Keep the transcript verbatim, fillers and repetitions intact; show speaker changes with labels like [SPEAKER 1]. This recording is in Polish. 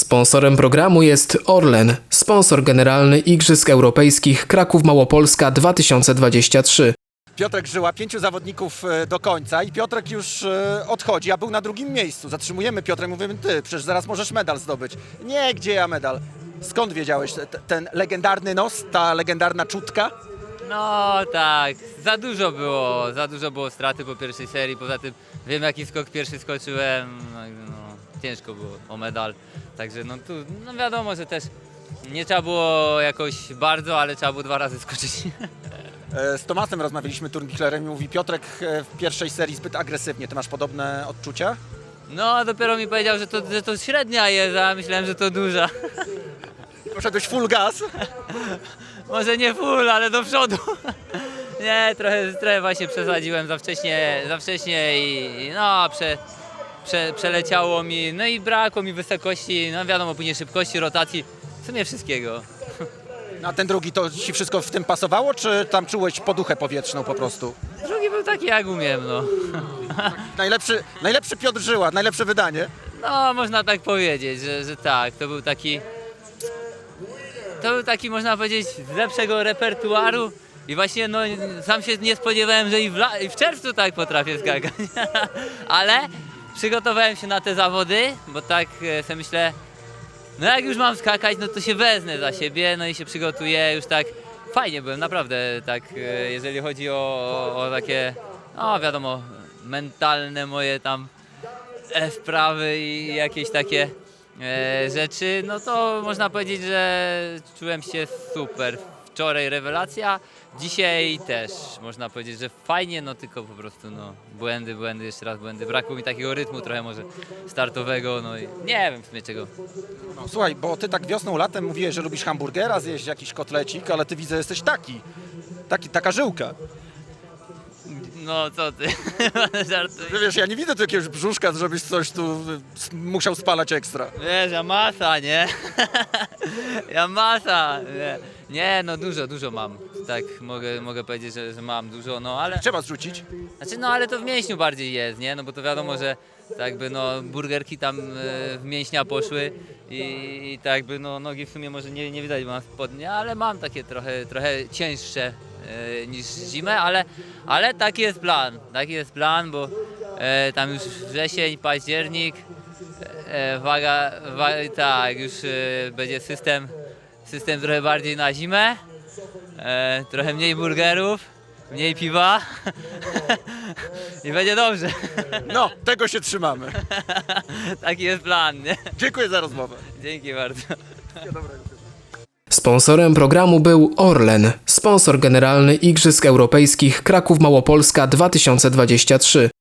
[SPEAKER 1] Sponsorem programu jest Orlen, sponsor generalny Igrzysk Europejskich Kraków Małopolska dwa tysiące dwadzieścia trzy.
[SPEAKER 2] Piotrek Żyła, pięciu zawodników do końca i Piotrek już odchodzi, a był na drugim miejscu. Zatrzymujemy Piotrek, mówimy, ty, przecież zaraz możesz medal zdobyć. Nie, gdzie ja medal? Skąd wiedziałeś te- ten legendarny nos, ta legendarna czutka?
[SPEAKER 3] No tak, za dużo było, za dużo było straty po pierwszej serii, poza tym wiem jaki skok pierwszy skoczyłem, no, i no ciężko było o medal, także no tu no wiadomo, że też nie trzeba było jakoś bardzo, ale trzeba było dwa razy skoczyć.
[SPEAKER 2] Z Tomasem rozmawialiśmy, turnbiklerem, i mówi, Piotrek w pierwszej serii zbyt agresywnie. Ty masz podobne odczucia?
[SPEAKER 3] No dopiero mi powiedział, że to, że to średnia jest, a myślałem, że to duża.
[SPEAKER 2] Poszedłeś full gas?
[SPEAKER 3] Może nie full, ale do przodu. Nie, trochę, trochę właśnie przesadziłem za wcześnie, za wcześnie i i no prze, prze, przeleciało mi, no i brakło mi wysokości, no wiadomo, później szybkości, rotacji, w sumie wszystkiego.
[SPEAKER 2] A ten drugi, to ci wszystko w tym pasowało, czy tam czułeś poduchę powietrzną po prostu?
[SPEAKER 3] Drugi był taki jak umiem, no.
[SPEAKER 2] Najlepszy, najlepszy Piotr Żyła, najlepsze wydanie.
[SPEAKER 3] No można tak powiedzieć, że, że tak, to był taki, to był taki można powiedzieć z lepszego repertuaru i właśnie no sam się nie spodziewałem, że i w, la, i w czerwcu tak potrafię skakać, ale przygotowałem się na te zawody, bo tak e, sobie myślę, no jak już mam skakać, no to się wezmę za siebie, no i się przygotuję, już tak fajnie byłem, naprawdę tak, e, jeżeli chodzi o, o, o takie, no wiadomo, mentalne moje tam e, sprawy i jakieś takie e, rzeczy, no to można powiedzieć, że czułem się super. Wczoraj rewelacja, dzisiaj też można powiedzieć, że fajnie, no tylko po prostu no błędy, błędy, jeszcze raz błędy. Brakło mi takiego rytmu trochę może startowego, no i nie wiem w sumie czego.
[SPEAKER 2] No, słuchaj, bo ty tak wiosną, latem mówiłeś, że lubisz hamburgera, zjeść jakiś kotlecik, ale ty widzę, jesteś taki, taki taka żyłka.
[SPEAKER 3] No co ty, żartuję.
[SPEAKER 2] Wiesz, ja nie widzę tu jakiegoś brzuszka, żebyś coś tu y, musiał spalać ekstra.
[SPEAKER 3] Wiesz, ja masa, nie? Ja masa, nie. Nie, no dużo, dużo mam. Tak mogę, mogę powiedzieć, że, że mam dużo, no ale...
[SPEAKER 2] Trzeba zrzucić.
[SPEAKER 3] Znaczy, no ale to w mięśniu bardziej jest, nie? No bo to wiadomo, że tak jakby no burgerki tam e, w mięśnia poszły i, i tak jakby no nogi w sumie może nie, nie widać, bo mam spodnie, ale mam takie trochę, trochę cięższe e, niż zimę, ale, ale taki jest plan, taki jest plan, bo e, tam już wrzesień, październik, e, waga, wa, tak, już e, będzie system, system trochę bardziej na zimę, e, trochę mniej burgerów, mniej piwa i będzie dobrze.
[SPEAKER 2] No, tego się trzymamy.
[SPEAKER 3] Taki jest plan, nie?
[SPEAKER 2] Dziękuję za rozmowę.
[SPEAKER 3] Dzięki bardzo.
[SPEAKER 1] Sponsorem programu był Orlen, sponsor generalny Igrzysk Europejskich Kraków Małopolska dwa tysiące dwadzieścia trzy.